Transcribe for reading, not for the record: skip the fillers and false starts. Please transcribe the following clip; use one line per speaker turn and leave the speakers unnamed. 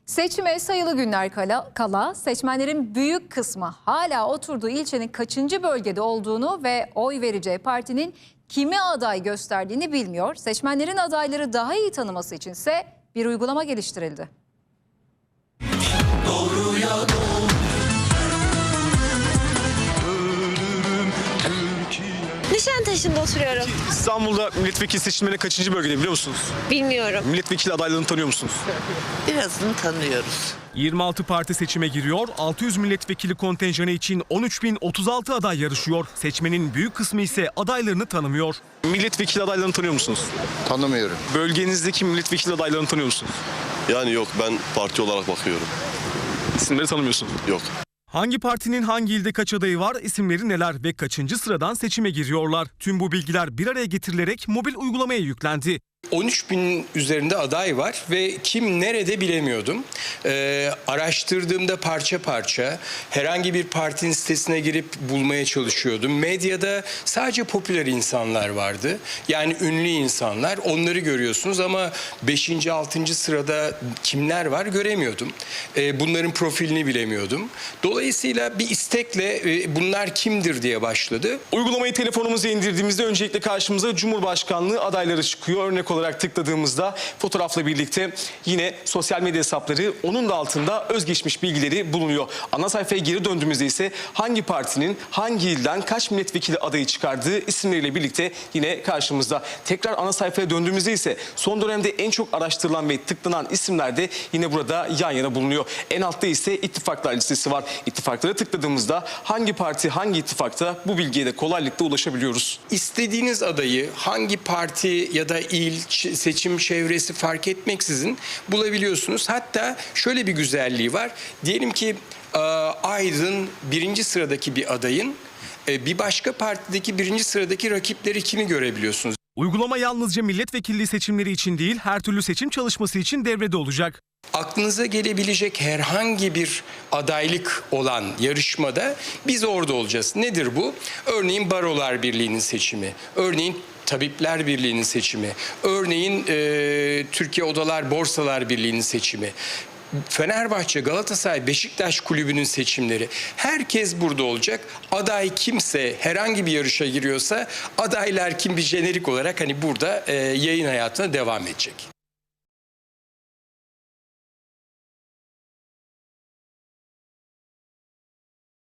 Seçime sayılı günler kala seçmenlerin büyük kısmı hala oturduğu ilçenin kaçıncı bölgede olduğunu ve oy vereceği partinin kimi aday gösterdiğini bilmiyor. Seçmenlerin adayları daha iyi tanıması içinse bir uygulama geliştirildi.
Doğruya doğru.
Nişantaşı'nda oturuyorum.
İstanbul'da milletvekili seçimlerine kaçıncı bölgede biliyor musunuz?
Bilmiyorum.
Milletvekili adaylarını tanıyor musunuz?
Birazını tanıyoruz.
26 parti seçime giriyor. 600 milletvekili kontenjanı için 13.036 aday yarışıyor. Seçmenin büyük kısmı ise adaylarını tanımıyor.
Milletvekili adaylarını tanıyor musunuz?
Tanımıyorum.
Bölgenizdeki milletvekili adaylarını tanıyor musunuz?
Yani yok, ben parti olarak bakıyorum.
İsimleri tanımıyorsunuz.
Yok.
Hangi partinin hangi ilde kaç adayı var, isimleri neler ve kaçıncı sıradan seçime giriyorlar? Tüm bu bilgiler bir araya getirilerek mobil uygulamaya yüklendi.
13.000 üzerinde aday var ve kim nerede bilemiyordum. Araştırdığımda parça parça herhangi bir partinin sitesine girip bulmaya çalışıyordum. Medyada sadece popüler insanlar vardı. Yani ünlü insanlar, onları görüyorsunuz ama 5. 6. sırada kimler var göremiyordum. Bunların profilini bilemiyordum. Dolayısıyla bir istekle bunlar kimdir diye başladı.
Uygulamayı telefonumuza indirdiğimizde öncelikle karşımıza Cumhurbaşkanlığı adayları çıkıyor. Örnek olarak tıkladığımızda fotoğrafla birlikte yine sosyal medya hesapları, onun da altında özgeçmiş bilgileri bulunuyor. Ana sayfaya geri döndüğümüzde ise hangi partinin hangi ilden kaç milletvekili adayı çıkardığı isimleriyle birlikte yine karşımızda. Tekrar ana sayfaya döndüğümüzde ise son dönemde en çok araştırılan ve tıklanan isimler de yine burada yan yana bulunuyor. En altta ise ittifaklar listesi var. İttifaklara tıkladığımızda hangi parti hangi ittifakta, bu bilgiye de kolaylıkla ulaşabiliyoruz.
İstediğiniz adayı hangi parti ya da il, seçim çevresi fark etmeksizin bulabiliyorsunuz. Hatta şöyle bir güzelliği var. Diyelim ki Aydın 1. sıradaki bir adayın bir başka partideki 1. sıradaki rakipleri kimi görebiliyorsunuz.
Uygulama yalnızca milletvekilliği seçimleri için değil, her türlü seçim çalışması için devrede olacak.
Aklınıza gelebilecek herhangi bir adaylık olan yarışmada biz orada olacağız. Nedir bu? Örneğin Barolar Birliği'nin seçimi, örneğin Tabipler Birliği'nin seçimi, örneğin Türkiye Odalar Borsalar Birliği'nin seçimi, Fenerbahçe, Galatasaray, Beşiktaş kulübünün seçimleri. Herkes burada olacak. Aday kimse, herhangi bir yarışa giriyorsa adaylar kim, bir jenerik olarak hani burada yayın hayatına devam edecek.